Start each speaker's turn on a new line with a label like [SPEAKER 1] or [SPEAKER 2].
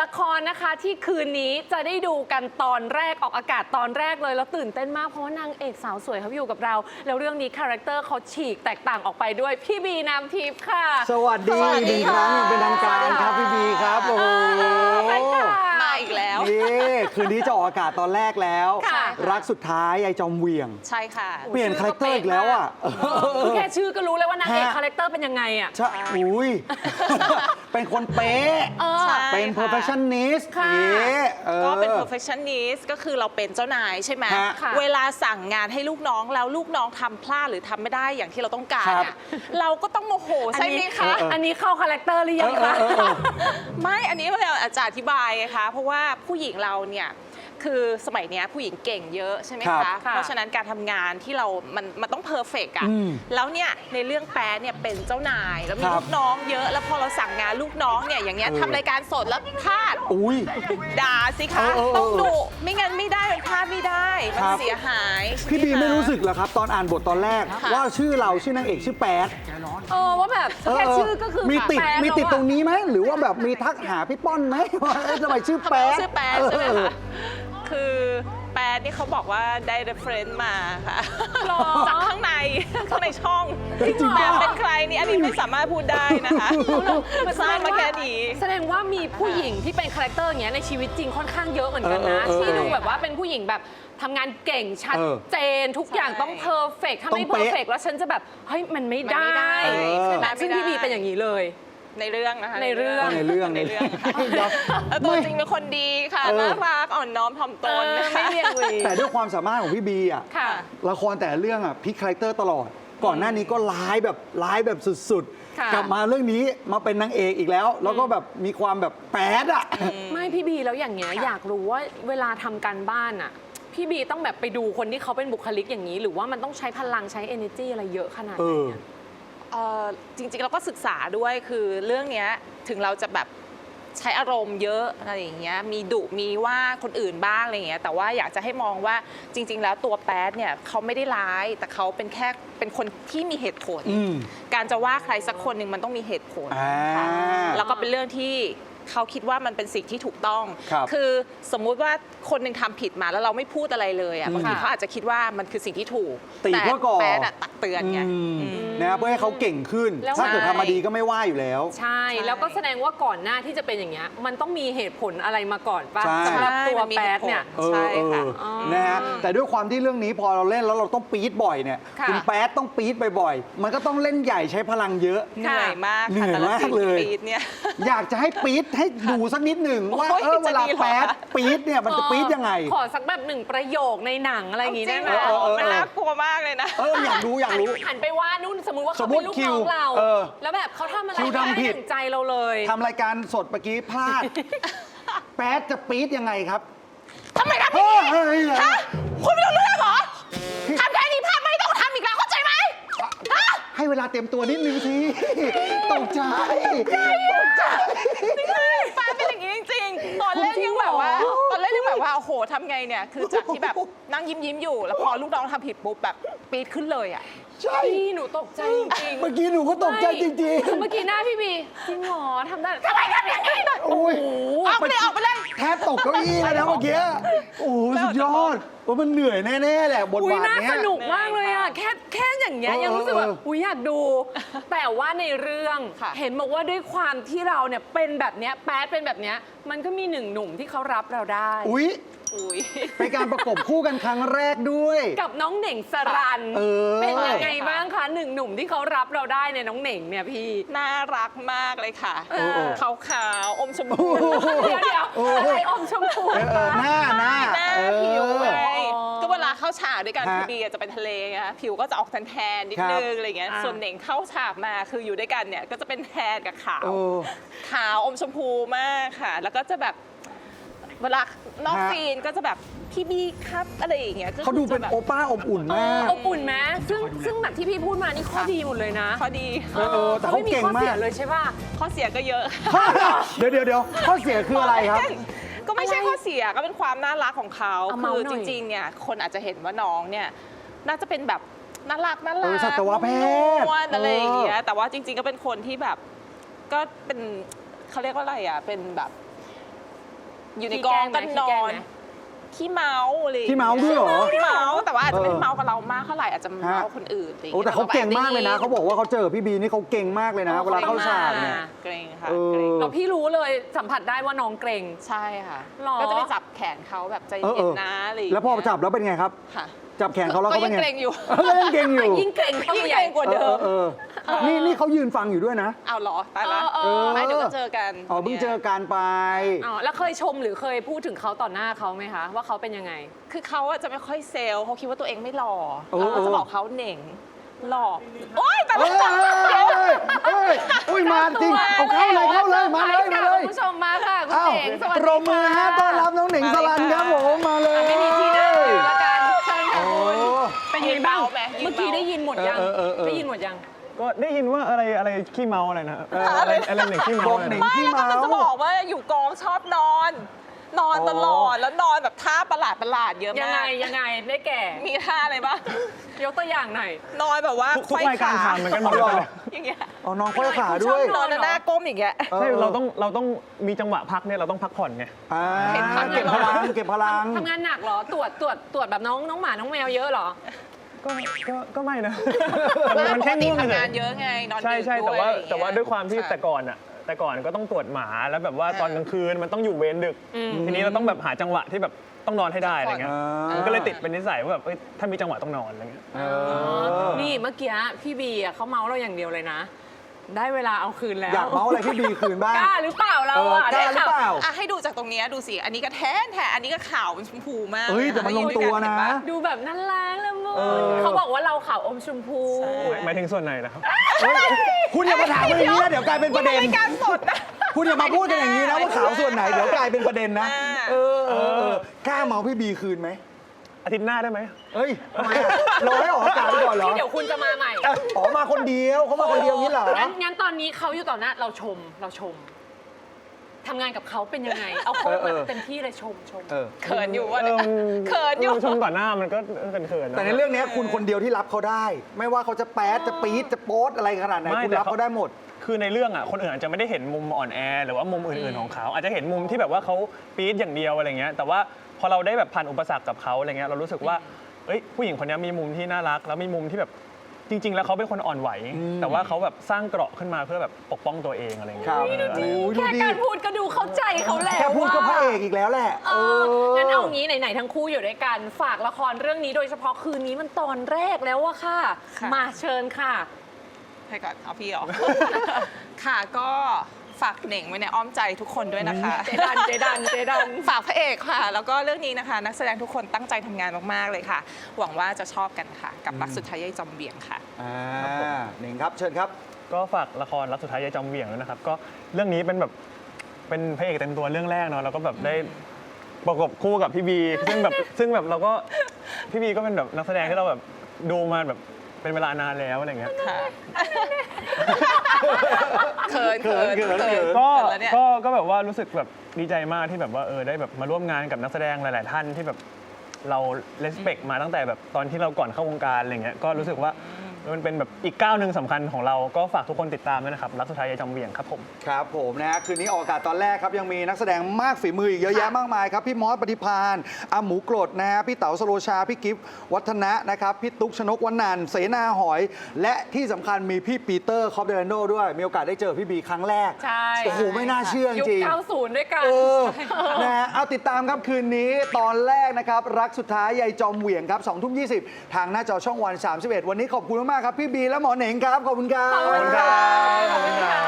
[SPEAKER 1] ละครนะคะที่คืนนี้จะได้ดูกันตอนแรกออกอากาศตอนแรกเลยแล้วตื่นเต้นมากเพราะว่านางเอกสาวสวยเขาอยู่กับเราแล้วเรื่องนี้คาแรคเตอร์เขาฉีกแตกต่างออกไปด้วยพี่บีน้ำทิพย์ค่ะ
[SPEAKER 2] สวัสดีอีกหนึ่งครั้งอย่างเป็นทางการครับพี่บีครับโอ้โห
[SPEAKER 3] มาอีกแล้ว
[SPEAKER 2] นี่คืนนี้จะออกอากาศตอนแรกแล้ว
[SPEAKER 1] ค่ะ
[SPEAKER 2] รักสุดท้ายยายจอมเหวี่ยง
[SPEAKER 3] ใช่ค่ะ
[SPEAKER 2] เปลี่ยนคาแรคเตอร์อีกแล้วอ่ะ
[SPEAKER 1] คือแค่ชื่อก็รู้เลยว่านางเอก
[SPEAKER 2] ฮะ
[SPEAKER 1] คาแรคเตอร์เป็นยังไงอ่ะ
[SPEAKER 2] ใช่อุ้ย เป็นคนเป๊ะ
[SPEAKER 3] ใช่
[SPEAKER 2] เป็น
[SPEAKER 3] ค่ะ
[SPEAKER 2] perfectionist
[SPEAKER 1] ค่ะ
[SPEAKER 2] นี่
[SPEAKER 3] ก็เป็น perfectionist ก็คือเราเป็นเจ้านายใช่ไหม
[SPEAKER 2] ฮะ
[SPEAKER 1] ค่ะ
[SPEAKER 3] เวลาสั่งงานให้ลูกน้องแล้วลูกน้องทำพลาดหรือทำไม่ได้อย่างที่เราต้องการ
[SPEAKER 2] ครับ
[SPEAKER 3] อะเราก็ต้องโมโหใช่ไหมคะ
[SPEAKER 1] อันนี้เข้าคาแรคเตอร์หรือยังคะ
[SPEAKER 3] ไม่ อันนี้เราจะอธิบายไงคะ เพราะว่าผู้หญิงเราเนี่ยคือสมัยเนี้ยผู้หญิงเก่งเยอะใช่ไหม
[SPEAKER 2] ครั
[SPEAKER 3] คะ
[SPEAKER 2] บ
[SPEAKER 3] เพราะฉะนั้นการทำงานที่เรา มันต้องเพอร์เฟกต์อะ
[SPEAKER 2] อืม
[SPEAKER 3] แล้วเนี่ยในเรื่องแป๊ะเนี่ยเป็นเจ้านาย แล้วมี
[SPEAKER 2] ครับ
[SPEAKER 3] ลูกน้องเยอะ แล้วพอเราสั่งงานลูกน้องเนี่ยอย่างเงี้ยทำรายการสดแล้วพลาด
[SPEAKER 2] อุ้ย
[SPEAKER 3] ด่าสิคะ
[SPEAKER 2] เออ
[SPEAKER 3] ต้องดุไม่งั้นไม่ได้มันพลาดไม่ได้ มัน
[SPEAKER 2] ครับ
[SPEAKER 3] เสียหาย
[SPEAKER 2] พี่บี
[SPEAKER 3] ใช่ห
[SPEAKER 2] ไม่รู้สึกเหรอครับ ตอนอ่านบทตอนแรก
[SPEAKER 3] ค่ะ
[SPEAKER 2] ว่าชื่อเราชื่อนางเอกชื่อแป๊ด
[SPEAKER 1] ว่าแบบแค่ชื่อก็คือ
[SPEAKER 2] มีติด
[SPEAKER 1] แปลก
[SPEAKER 2] มีติด
[SPEAKER 1] แล้วอะ
[SPEAKER 2] ตรงนี้ไหมหรือว่าแบบมีทักหาพี่ป้อนไหมว่าเอ๊ะทำไมชื่อแป๊ด
[SPEAKER 3] ชื่อแป๊ดใช่ไหม
[SPEAKER 2] เออ
[SPEAKER 3] คะคือแป๊ดนี่เขาบอกว่าได้ reference มาค่ะ
[SPEAKER 1] หรอ
[SPEAKER 3] จากข้างในช่อง
[SPEAKER 2] จริงเหรอ
[SPEAKER 3] แป๊ดเป็นใครนี่อันนี้ไม่สามารถพูดได้นะคะทราบมาแค่นี้
[SPEAKER 1] แสดงว่ามีผู้หญิงที่เป็นคาแรคเตอร์อย่างเงี้ยในชีวิตจริงค่อนข้างเยอะเหมือนกันนะ ที่ดูแบบว่าเป็นผู้หญิงแบบทำงานเก่งชัดเจนทุกอย่างต้องเพอร์เฟกถ้าไม่เพอร์เฟกแล้วฉันจะแบบเฮ้ยมันไม่ได้
[SPEAKER 3] มันไม่ได้
[SPEAKER 1] ใช่ไหมซึ่งพี่บีเป็นอย่างนี้เลย
[SPEAKER 3] ในเรื่องนะคะ
[SPEAKER 1] ในเรื่อง
[SPEAKER 2] ในเรื่อง
[SPEAKER 3] ในเรื่องค่ะ
[SPEAKER 2] เดี๋ยว
[SPEAKER 3] แล้วตัวจริงเป็นคนดีค่ะ
[SPEAKER 2] เออ
[SPEAKER 3] น่ารักอ่อนน้อมถ่อมตนนะคะ
[SPEAKER 1] ไม่เรียกเลย
[SPEAKER 2] แต่ด้วยความสามารถของพี่บีอ่ะ
[SPEAKER 1] ค่ะ
[SPEAKER 2] ละครแต่ละเรื่องอ่ะพลิกคาแรคเตอร์ตลอด ก่อนหน้านี้ก็ร้ายแบบสุด
[SPEAKER 1] ค่ะ
[SPEAKER 2] ๆ กลับมาเรื่องนี้มาเป็นนางเอกอีกแล้ว แล้วก็แบบมีความแบบแป๊ดอ่ะ
[SPEAKER 1] ไม่พี่บีแล้วอย่างเงี้ยอยากรู้ว่าเวลาทำการบ้านอ่ะพี่บีต้องแบบไปดูคนที่เขาเป็นบุคลิกอย่างนี้ หรือว่ามันต้องใช้พลังใช้ energy อะไรเยอะขนาดไหนอะ
[SPEAKER 3] จริงๆเราก็ศึกษาด้วยคือเรื่องเนี้ยถึงเราจะแบบใช้อารมณ์เยอะอะไรอย่างเงี้ยมีดุมีว่าคนอื่นบ้างอะไรอย่างเงี้ยแต่ว่าอยากจะให้มองว่าจริง ๆ แล้วตัวแป๊ดเนี่ยเขาไม่ได้ร้ายแต่เขาเป็นแค่เป็นคนที่มีเหตุผล
[SPEAKER 2] อืม
[SPEAKER 3] การจะว่าใครสักคนหนึ่งมันต้องมีเหตุผล
[SPEAKER 2] อ่า
[SPEAKER 3] ค่ะแล้วก็เป็นเรื่องที่เขาคิดว่ามันเป็นสิ่งที่ถูกต้อง
[SPEAKER 2] ครับ
[SPEAKER 3] อสมมุติว่าคนหนึ่งทำผิดมาแล้วเราไม่พูดอะไรเลยอ่ะบางทีเขาอาจจะคิดว่ามันคือสิ่งที่ถูก
[SPEAKER 2] ตี
[SPEAKER 3] แต่
[SPEAKER 2] เพื่อก่อ
[SPEAKER 3] แป๊ดอะตักเตือนไง
[SPEAKER 2] นะเพื่อให้เขาเก่งขึ้น
[SPEAKER 1] แล้ว
[SPEAKER 2] ถ้าเกิด
[SPEAKER 3] ใช่
[SPEAKER 2] ทำมาดีก็ไม่ว่าอยู่แล้ว
[SPEAKER 1] ใช่ แล้วก็แสดงว่าก่อนหน้าที่จะเป็นอย่างเงี้ยมันต้องมีเหตุผลอะไรมาก่อนป่ะ
[SPEAKER 2] ใช่
[SPEAKER 1] สำหรับตัว
[SPEAKER 3] มันมี
[SPEAKER 1] แป๊ด
[SPEAKER 3] เหตุผล
[SPEAKER 1] เนี่ย
[SPEAKER 3] ใช่ค่ะ
[SPEAKER 2] นะฮะแต่ด้วยความที่เรื่องนี้พอเราเล่นแล้วเราต้องปี๊ดบ่อยเนี่ย
[SPEAKER 1] ค่ะ
[SPEAKER 2] ณแป๊ดต้องปี๊ดบ่อยๆมันก็ต้องเล่นใหญ่ใช้พลังเยอะ
[SPEAKER 3] เหนื่อยมาก
[SPEAKER 2] เหนื่
[SPEAKER 3] ค่ะ
[SPEAKER 2] อย
[SPEAKER 3] แต่ละ
[SPEAKER 2] มาก
[SPEAKER 3] สิ่ง
[SPEAKER 2] เล
[SPEAKER 3] ที่
[SPEAKER 2] ย
[SPEAKER 3] ปีดเนี่ย
[SPEAKER 2] อยากจะให้ปี๊ดให้ดูสักนิดหนึ่งว่า
[SPEAKER 3] โอ้ย
[SPEAKER 2] เวลา
[SPEAKER 3] จะดีเหรอ
[SPEAKER 2] แป๊ดปี๊ดเนี่ยมันจะปี๊ดยังไง
[SPEAKER 1] ขอสักแบบหนึ่งประโยคในหนังอะไรอย่างงี้
[SPEAKER 3] จริ
[SPEAKER 1] ได้
[SPEAKER 3] ง
[SPEAKER 1] ไหม
[SPEAKER 3] เหรอ
[SPEAKER 2] เออ
[SPEAKER 3] มันน่ากลัวมากเลยนะ
[SPEAKER 2] อยากรู้
[SPEAKER 1] หันไปว่านู่นสมมุติว่า
[SPEAKER 2] ส
[SPEAKER 1] เขา
[SPEAKER 2] มมุ
[SPEAKER 1] เป็
[SPEAKER 2] ติ
[SPEAKER 1] นลูก
[SPEAKER 2] คิ
[SPEAKER 1] น้
[SPEAKER 2] ว
[SPEAKER 1] องเรา
[SPEAKER 2] เออ
[SPEAKER 1] แล้วแบบเขาทำอะไร
[SPEAKER 2] คิวทำผิด
[SPEAKER 1] ไม่ถึงใจเราเลย
[SPEAKER 2] ทำรายการสดเมื่อกี้พลาด แป๊ดจะปี๊ดยังไงครับ
[SPEAKER 3] ทำไมทำอย่างนี้
[SPEAKER 2] เฮ้ย
[SPEAKER 3] ฮะคุณไม่รู้เรื่องเหรอทำแค่นี้พลาดไม่ต้องทำอีกแล้วเข้าใจไหมฮะ
[SPEAKER 2] ให้เวลาเตรียมตัวนิดนึงสิตกใจตกใจ
[SPEAKER 3] ป้าเป็นอย่างนี้จริงๆ ตอนเล่นยังแบบว่าโอ้โหทำไงเนี่ย คือจากที่แบบนั่งยิ้มอยู่ แล้วพอลูกน้องทำผิดปุ๊บแบบปี๊ดขึ้นเลยอ่ะ
[SPEAKER 2] ใช่
[SPEAKER 1] พี่หนูตกใจจริงๆ
[SPEAKER 2] เมื่อกี้หนูก็ตกใจจริง
[SPEAKER 1] เมื่อกี้หน้าพี่บีจริงเหรอทำได้ทำไมทำอย่างนี้
[SPEAKER 2] ๆ โอ้ย
[SPEAKER 3] ออกไปเลยออกไปเลย
[SPEAKER 2] แทบตกเก้าอี้แล้วนะเมื่อกี้ โอ้โหสุดยอดว่ามันเหนื่อยแน่ๆแหละบท
[SPEAKER 1] อุ้ย
[SPEAKER 2] บาท
[SPEAKER 1] น่า
[SPEAKER 2] เนี้ย
[SPEAKER 1] สนุกมากเลยอ่ะแค่อย่างเงี้ย
[SPEAKER 2] เออ
[SPEAKER 1] ยังรู้สึกแบบ
[SPEAKER 2] เออ
[SPEAKER 1] อุ้ยอยากดู แต่ว่าในเรื่อง
[SPEAKER 3] ค่ะ
[SPEAKER 1] เห็นบอกว่าด้วยความที่เราเนี่ยเป็นแบบเนี้ยแป๊ดเป็นแบบเนี้ยมันก็มีหนึ่งหนุ่มที่เขารับเราได้
[SPEAKER 2] อุ๊ย
[SPEAKER 3] อุ้ย
[SPEAKER 2] เป็นการประกบคู่กันครั้งแรกด้วย
[SPEAKER 1] กับน้องเหน่งสรัน
[SPEAKER 2] เออ
[SPEAKER 1] เป็นยังไง
[SPEAKER 3] ค่ะ
[SPEAKER 1] บ้างคะหนึ่งหนุ่มที่เขารับเราได้เนี่ยน้องเหน่งเนี่ยพี่
[SPEAKER 3] น่ารักมากเลยค่ะ
[SPEAKER 1] เออ
[SPEAKER 3] ขาวๆอมชมพู
[SPEAKER 1] เดี๋ยว
[SPEAKER 2] โอ้
[SPEAKER 1] อะไรอมชมพู
[SPEAKER 2] หน้า
[SPEAKER 3] หน้า
[SPEAKER 2] เออ
[SPEAKER 3] ผิวไงก็เวลาเข้าฉากด้วยกัน
[SPEAKER 2] ฮะ
[SPEAKER 3] คือบีจะเป็นทะเลไงคะผิวก็จะออกแทนๆนิดนึงอะไรเงี้ย
[SPEAKER 1] อ่า
[SPEAKER 3] ส่วนเหน่งเข้าฉากมาคืออยู่ด้วยกันเนี่ยก็จะเป็นแทนกับขาว
[SPEAKER 2] โอ้
[SPEAKER 3] ขาวอมชมพูมากค่ะ แล้วก็จะแบบเวลานอกซีนก็จะแบบพี่บีครับอะไรอย่างเงี้ยก็
[SPEAKER 2] เขาดูเป็น
[SPEAKER 3] จะแบบ
[SPEAKER 2] โอป้าอบอุ่นมาก
[SPEAKER 1] อบอุ่นไหมซึ่งแบบที่พี่พูดมานี่ข้อดีหมดเลยนะ
[SPEAKER 3] ข้อดี
[SPEAKER 2] แต่เขาเก่งมาก
[SPEAKER 1] ไข้อสียเลยใช่ป่ะ
[SPEAKER 3] ข้อเสียก็เยอะ
[SPEAKER 2] เดี๋ยวข้อเสียคืออะไรครับ
[SPEAKER 3] ก็ไม่ใช่ข้อเสียก็เป็นความน่ารักของเขา
[SPEAKER 1] เอาเมา
[SPEAKER 3] คือ
[SPEAKER 1] หน่
[SPEAKER 3] จ
[SPEAKER 1] อย
[SPEAKER 3] ริงๆเนี่ยคนอาจจะเห็นว่าน้องเนี่ยน่าจะเป็นแบบน่ารัก
[SPEAKER 2] สัตวแพทย์
[SPEAKER 3] นวลๆอะไรอย่างเงี้ยแต่ว่าจริงๆก็เป็นคนที่แบบก็เป็นเขาเรียกว่าอะไรอ่ะเป็นแบบอยู่ในกองก็นอนขี้เมาอะไรอย่าง
[SPEAKER 2] ขี้
[SPEAKER 3] เงี้ย
[SPEAKER 2] เมาด้วยเหรอ
[SPEAKER 3] ขี้เมาแต่ว่าอาจจะไม่ได้เมากับเรามากเท่าไหร่อาจจะเมาคนอื่นอะไรอย่าง
[SPEAKER 2] โอ้
[SPEAKER 3] เงี้ย
[SPEAKER 2] แต่เขาเก่งมากเลยนะเขาบอกว่าเขาเจอพี่บีนี่เขาเก่งมากเลยนะเวลาเข้าฉากเนี่ย
[SPEAKER 3] เกรงค่ะ
[SPEAKER 2] เออ
[SPEAKER 3] เกรง
[SPEAKER 1] เราพี่รู้เลยสัมผัสได้ว่าน้องเกรง
[SPEAKER 3] ใช่ค่ะ
[SPEAKER 1] หรอ
[SPEAKER 3] ก็จะไปจับแขนเขาแบบใจเย็นนะอะไรอย่าง
[SPEAKER 2] แล้
[SPEAKER 3] เงี้
[SPEAKER 2] วย พอจับแล้วเป็นไงครับ
[SPEAKER 3] ค่ะ
[SPEAKER 2] จับแขนเขาแล้วเขาเป็นไง
[SPEAKER 3] ก็ยังเกรงอยู่
[SPEAKER 2] ก็ยังเกรงอยู่
[SPEAKER 1] ยิ่งเกรงเข้า
[SPEAKER 3] ยิ่ง
[SPEAKER 1] ไป
[SPEAKER 3] เก
[SPEAKER 1] ให
[SPEAKER 3] ร
[SPEAKER 1] ญ่
[SPEAKER 3] งกว่าเดิม
[SPEAKER 2] นี่เขายืนฟังอยู่ด้วยนะ
[SPEAKER 3] เอาเหรอตายละ
[SPEAKER 1] เออ
[SPEAKER 3] ไม่เดี๋ยวก็เจอกัน
[SPEAKER 2] อ๋อเพิ่งเจอกันไป
[SPEAKER 1] อ๋อแล้วเคยชมหรือเคยพูดถึงเขาต่อหน้าเขาไหมคะ ว่าเขาเป็นยังไง
[SPEAKER 3] คือเขาอะจะไม่ค่อยเซลล์เขาคิดว่าตัวเองไม่หล่อ
[SPEAKER 2] เออ
[SPEAKER 3] เราจะบอกเขาเหน่งหล่อโอ๊ยแต่
[SPEAKER 2] เอ้ยอุ้ยมาจริงเอาเข้าเลยมาเลย
[SPEAKER 1] คุณผู้ชมมาค่ะคุณ
[SPEAKER 2] อ้าว
[SPEAKER 1] เองสวัส
[SPEAKER 2] ป
[SPEAKER 1] ดี
[SPEAKER 2] รบมือฮะต้อนรับน้องหนิงสลันครับผมมาเลย
[SPEAKER 1] ไม่มีที่นั่งอยู่แล้วกันเชิญค่ะ
[SPEAKER 2] โอ้
[SPEAKER 1] คุณเป็นยังไงบ้างเมื่อกี้ได้ยินหมดยัง
[SPEAKER 2] เออ
[SPEAKER 1] ได้ยินหมดยัง
[SPEAKER 4] ก็ได้ยินว่าอะไรขี้เมาอะไรนะอะไรหนึ่งขี้เมา
[SPEAKER 2] บอก
[SPEAKER 4] อะไร
[SPEAKER 2] หนิง
[SPEAKER 4] นะ
[SPEAKER 3] ไม่
[SPEAKER 2] ขี้
[SPEAKER 3] แล้ว
[SPEAKER 2] เมา
[SPEAKER 3] ก็จะบอกว่าอยู่กองชอบนอน นอนตลอดแล้วนอนแบบท่าประหลาดเยอะ
[SPEAKER 1] ยัง
[SPEAKER 3] มา
[SPEAKER 1] ไง
[SPEAKER 3] ก
[SPEAKER 1] ยังไงได้แก่
[SPEAKER 3] มีท่าอะไรบ้าง
[SPEAKER 1] ยกตัวอย่างหน่อย
[SPEAKER 3] นอนแบบว่า
[SPEAKER 4] ทุกรายการทำเหมือนกันหมด
[SPEAKER 2] เอา
[SPEAKER 4] เล
[SPEAKER 2] เหรอ
[SPEAKER 4] ย
[SPEAKER 3] อย่างเงี้ย
[SPEAKER 2] อ๋อน้องค่อยขาด้วย
[SPEAKER 3] นอนแล้วหน้าก้มอย่างเงี้ย
[SPEAKER 4] ใช่เราต้องมีจังหวะพักเนี่ยเราต้องพักผ่อนไง
[SPEAKER 2] อ่า
[SPEAKER 3] เห็นพัก
[SPEAKER 2] เก็บพลังเก็บพลัง
[SPEAKER 1] ทำงานหนักเหรอ ตรวจแบบน้องหมาน้องแมวเยอะเหรอ
[SPEAKER 4] ก็ไม่นะมันแค่ง่วง
[SPEAKER 3] ทำ
[SPEAKER 4] เล
[SPEAKER 3] งาย นเยอะไงนอน
[SPEAKER 4] ใช่
[SPEAKER 3] ดึก
[SPEAKER 4] ใช่
[SPEAKER 3] ด้วย
[SPEAKER 4] แต่ว่าด้วยความที่
[SPEAKER 3] ค่ะ
[SPEAKER 4] แต่ก่อนก็ต้องตรวจหมาแล้วแบบว่าตอนกลางคืนมันต้องอยู่เวรดึก
[SPEAKER 1] อืม
[SPEAKER 4] ทีนี้เราต้องแบบหาจังหวะที่แบบต้องนอนให้ได้อะไรเงี้ย
[SPEAKER 2] อ่ามั
[SPEAKER 4] มันก็เลยติดเป็นนิสัยว่าแบบถ้ามีจังหวะต้องนอนอะไรเงี้ย
[SPEAKER 2] เออ
[SPEAKER 1] นี่เมื่อกี้พี่บีอ่ะเขาเมาเราอย่างเดียวเลยนะ ได้เวลาเอาคืนแล้ว
[SPEAKER 2] อยากเมาอะไรพี่บีคืนบ้าง
[SPEAKER 1] กล้าหรือเปล่าเรา
[SPEAKER 2] เออ
[SPEAKER 1] อ่ะ
[SPEAKER 2] กล้าหรือเปล่า
[SPEAKER 3] อ่ะให้ดูจากตรงเนี้ยดูสิ อันนี้ก็แทนอันนี้ก็ขาวเป็นชมพูมาก
[SPEAKER 2] เฮ้ยแต่มันลงตัวนะ
[SPEAKER 3] เห็ป
[SPEAKER 1] ดูแบบน่ารักละมุน
[SPEAKER 2] เออ
[SPEAKER 1] เขาบอกว่าเราขาวอมชมพู
[SPEAKER 4] หมายถึงส่วนไหนนะครับ
[SPEAKER 2] คุณอย่ามาถามกันอย่างนี้นะเดี๋ยวกลายเป็นประเด็น
[SPEAKER 3] รายการสดนะ
[SPEAKER 2] คุณอย่ามาพูดกันอย่างนี้นะว่าขาวส่วนไหนเดี๋ยวกลายเป็นประเด็นนะ
[SPEAKER 3] อ่า
[SPEAKER 2] เออกล้าเมาพี่บีคืนไหม
[SPEAKER 4] อาทิตย์หน้าได้ไหม
[SPEAKER 2] เฮ้ยทำไมอะรอให้ออกอากาศไปก่อนเหรอ
[SPEAKER 1] ที่เดี๋ยวคุณจะมาใหม่
[SPEAKER 2] อ๋อมาคนเดียวเขามาคนเดียวนี้เหรอ
[SPEAKER 1] งั้นตอนนี้เขาอยู่ต่อหน้าเราชมทำงานกับเขาเป็นยังไง เอาเขามาเต็มที่เลยชม
[SPEAKER 2] เออ
[SPEAKER 3] เขินอยู่วะเนี่ยเขินอยู่
[SPEAKER 4] ชมต่อหน้ามันก็เขินๆนะ
[SPEAKER 2] แต่ในเรื่องนี้คุณคนเดียวที่รับเขาได้ ไม่ว่าเขาจะแป๊ดจะปี๊ดจะโป๊ดอะไรขนาดไหน
[SPEAKER 4] ไม่
[SPEAKER 2] คุณ
[SPEAKER 4] แต่
[SPEAKER 2] รับเขาได้หมด
[SPEAKER 4] คือในเรื่องอ่ะคนอื่นอาจจะไม่ได้เห็นมุมอ่อนแอหรือว่ามุมอื่นๆของเขา อาจจะเห็นมุมที่แบบว่าเขาปี๊ดอย่างเดียวอะไรเงี้ยแต่ว่าพอเราได้แบบผ่านอุปสรรคกับเขาอะไรเงี้ยเรารู้สึกว่าเอ้ยผู้หญิงคนนี้มีมุมที่น่ารักแล้วมีมุมที่แบบจริง ๆ แล้วเขาเป็นคนอ่อนไหว แต่ว่าเขาแบบสร้างเกราะขึ้นมาเพื่อแบบปกป้องตัวเองอะไรเงี้ย
[SPEAKER 2] ครับ
[SPEAKER 4] เอออะไร
[SPEAKER 2] โอ้ยดู
[SPEAKER 1] แค่
[SPEAKER 2] ดิ
[SPEAKER 1] การพูดก็ดูเข้าใจเขาแล้ว
[SPEAKER 2] แค่พูดก็พระเอกอีกแล้วแหละ
[SPEAKER 1] เอองั้นเอางี้ไหนๆทั้งคู่อยู่ด้วยกันฝากละครเรื่องนี้โดยเฉพาะคืนนี้มันตอนแรกแล้วอะค่ะ
[SPEAKER 3] ค่ะ
[SPEAKER 1] มาเชิญค่ะ
[SPEAKER 3] ให้ก่อนเอาพี่เหรอ ค่ะก็ฝากเหน่งไว้ในอ้อมใจทุกคนด้วยนะคะ
[SPEAKER 1] เจดัน
[SPEAKER 3] ฝากพระเอกค่ะ แล้วก็เรื่องนี้นะคะ นักแสดงทุกคนตั้งใจทำงานมากๆเลยค่ะ หวังว่าจะชอบกันค่ะ กับรักสุดท้ายยายจอมเบี่ยงค่ะ
[SPEAKER 2] หนิงครับเชิญครับ
[SPEAKER 4] ก็ฝากละครรักสุดท้ายยายจอมเหวี่ยงด้วยนะครับก็เรื่องนี้เป็นแบบเป็นพระเอกเต็มตัวเรื่องแรกเนาะแล้วก็แบบได้ประกบคู่กับพี่บีซึ่งแบบเราก็พี่บีก็เป็นแบบนักแสดงที่เราแบบดูมาแบบเป็นเวลานานแล้วอะไรเงี้ย
[SPEAKER 3] ค่ะเขิน
[SPEAKER 4] ก็
[SPEAKER 3] แล้วเนี่ย
[SPEAKER 4] ก็แบบว่ารู้สึกแบบดีใจมากที่แบบว่าได้แบบมาร่วมงานกับนักแสดงหลาย ๆ ท่านที่แบบเราเลสเปกมาตั้งแต่แบบตอนที่เราก่อนเข้าวงการอะไรเงี้ยก็รู้สึกว่ามันเป็นแบบอีกก้าวหนึ่งสำคัญของเราก็ฝากทุกคนติดตามด้วยนะครับรักสุดท้ายยายจอมเหวี่ยงครับผม
[SPEAKER 2] ครับผมนะฮะคืนนี้ออกอากาศตอนแรกครับยังมีนักแสดงมากฝีมืออีกเยอะแยะมากมายครับพี่มอสปฏิพานอาหมูกรดนะฮะพี่เต๋าสโลชาพี่กิฟต์วัฒนะนะครับพี่ตุ๊กชนกวนันท์เสนาหอย และที่สำคัญมีพี่ปีเตอร์คอปเดรันโดด้วยมีโอกาสได้เจอพี่บีครั้งแรก
[SPEAKER 1] ใช่
[SPEAKER 2] โอ้โหไม่น่าเชื่อจ
[SPEAKER 1] ยุค
[SPEAKER 2] ริง
[SPEAKER 1] 90 ด้วยกัน
[SPEAKER 2] เออนะฮะเอาติดตามครับคืนนี้ตอนแรกนะครับรักสุดท้ายยายจอมเหวี่ยงครับ20:20ทางหน้าจอช่องวัน31วันนี้ขอบคุณมากๆครับพี่บีและหมอเหน่งครับขอบคุณครับ
[SPEAKER 1] ขอบคุณครับ